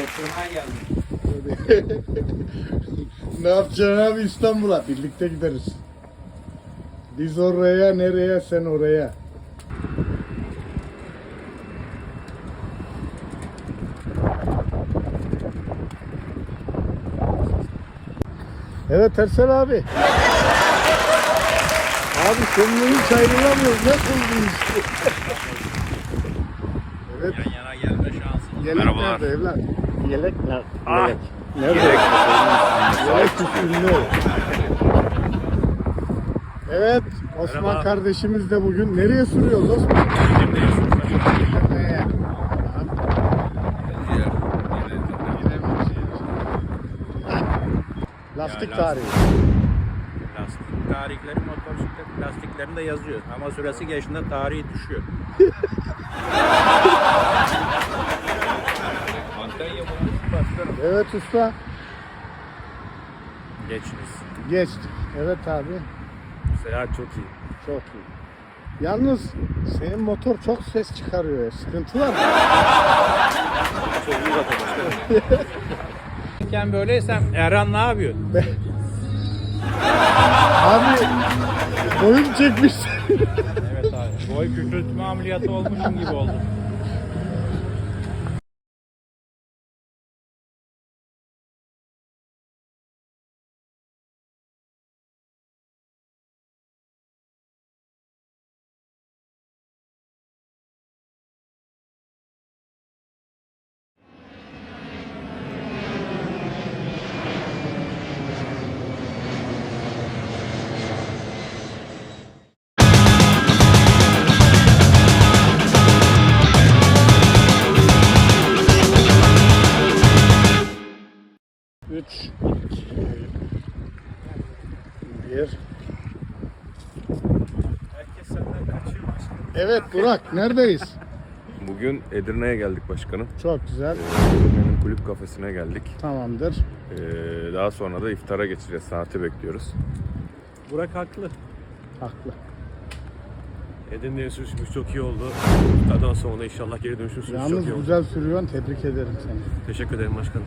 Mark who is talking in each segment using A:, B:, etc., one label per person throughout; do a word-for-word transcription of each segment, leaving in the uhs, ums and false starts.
A: Getirmeye geldim.
B: Ne yapacaksın abi İstanbul'a? Birlikte gideriz. Biz oraya, nereye, sen oraya. Evet Ersel abi. Abi seninle hiç ayrılamıyoruz. Nasıl bu iş? Evet.
A: Yan yana gelme şansın.
B: Yelek
A: Merhabalar.
B: nerede evlat? Yelek nerede?
A: Ah!
B: Yelek. Nerede?
A: Yelek.
B: Yelek üstünde. Evet, Osman
A: Merhaba.
B: kardeşimiz de bugün nereye sürüyoruz Osman? Nereye? Lastik
A: Ya,
B: tarihi.
A: Lastik tarihleri motosiklet lastiklerinde yazıyor. Ama süresi geçtiğinde tarihi düşüyor. Antalya bulmuş başkanım.
B: Evet usta.
A: Geçiniz.
B: Geçtik. Evet abi.
A: Seyahat çok iyi.
B: Çok iyi. Yalnız senin motor çok ses çıkarıyor ya. Sıkıntı var mı?
A: Çok iyi başkanım. Sen böyleysem Erhan ne yapıyor?
B: Abi boyun çekmişsin.
A: Evet abi. Boy küçültme ameliyatı olmuşum gibi oldu.
B: Üç, iki, bir.
A: Herkes senden kaçıyor başkanım.
B: Evet Burak, neredeyiz?
C: Bugün Edirne'ye geldik başkanım.
B: Çok güzel.
C: Edirne'nin kulüp kafesine geldik.
B: Tamamdır.
C: Ee, daha sonra da iftara geçeceğiz. Saati bekliyoruz.
A: Burak haklı.
B: Haklı.
D: Edirne'ye sürüşümüz çok iyi oldu. Daha sonra inşallah geri dönüşümüz çok
B: Yalnız
D: iyi oldu.
B: güzel sürüyorsun. Tebrik ederim seni.
D: Teşekkür ederim başkanım.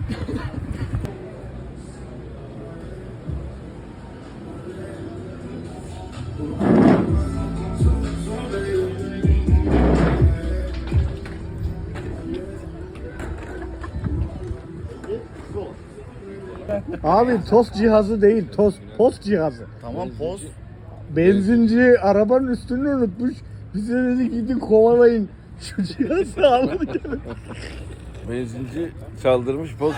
B: Abi tost cihazı değil, tost post cihazı.
C: Tamam poz.
B: Benzinci arabanın üstünü unutmuş. Bize dedi gidin kovalayın. Şu cihazı alın gelin.
C: Benzinci çaldırmış poz.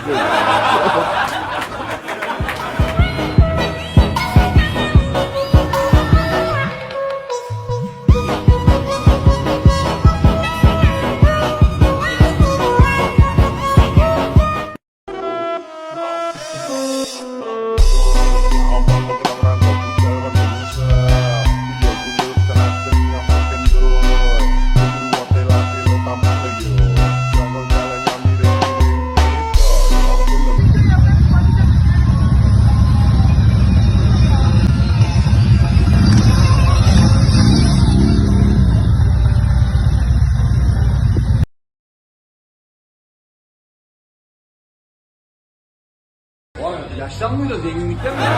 A: Yaşlanmıyor da zenginlikten mi?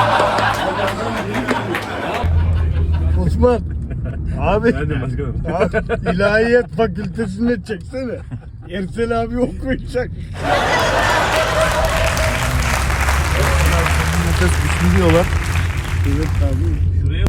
B: Osman. Abi,
D: Nerede başkanım?
B: abi ilahiyat fakültesine çeksene. Ersel abi okuyacak.
C: Nefes güçlü diyorlar.
B: Evet abi.
D: Şuraya.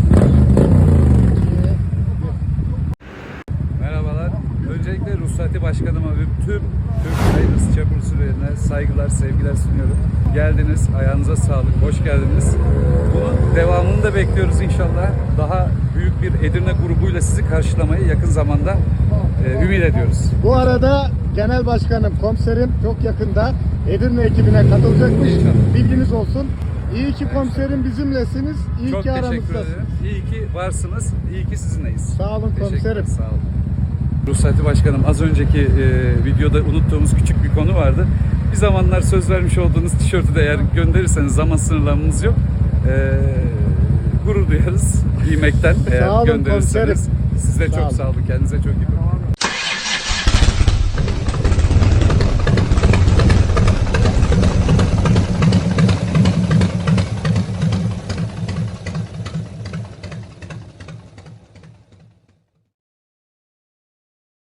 E: Merhabalar. Öncelikle Ruhsati Başkanıma ve tüm Türk Riders Çapur sürülerine saygılar, sevgiler sunuyorum. Geldiniz, ayağınıza sağlık, hoş geldiniz. Bunun devamını da bekliyoruz inşallah. Daha büyük bir Edirne grubuyla sizi karşılamayı yakın zamanda e, ümit ediyoruz.
B: Bu arada genel başkanım, komiserim çok yakında Edirne ekibine katılacakmış.
E: İnşallah.
B: Bilginiz olsun. İyi ki komiserim bizimlesiniz. İyi
E: Çok
B: ki
E: teşekkür
B: aramızdasınız.
E: ederim. İyi ki varsınız, iyi ki sizinleyiz.
B: Sağ olun
E: Teşekkürler,
B: komiserim.
E: Sağ olun. Ruhsati Başkanım, az önceki e, videoda unuttuğumuz küçük bir konu vardı. Bir zamanlar söz vermiş olduğunuz tişörtü de eğer gönderirseniz zaman sınırlamamız yok. E, gurur duyarız giymekten eğer
B: Sağ olun
E: gönderirseniz.
B: komiserim.
E: Siz de
B: Sağ
E: çok
B: olun.
E: sağ olun. Kendinize çok iyi bakın.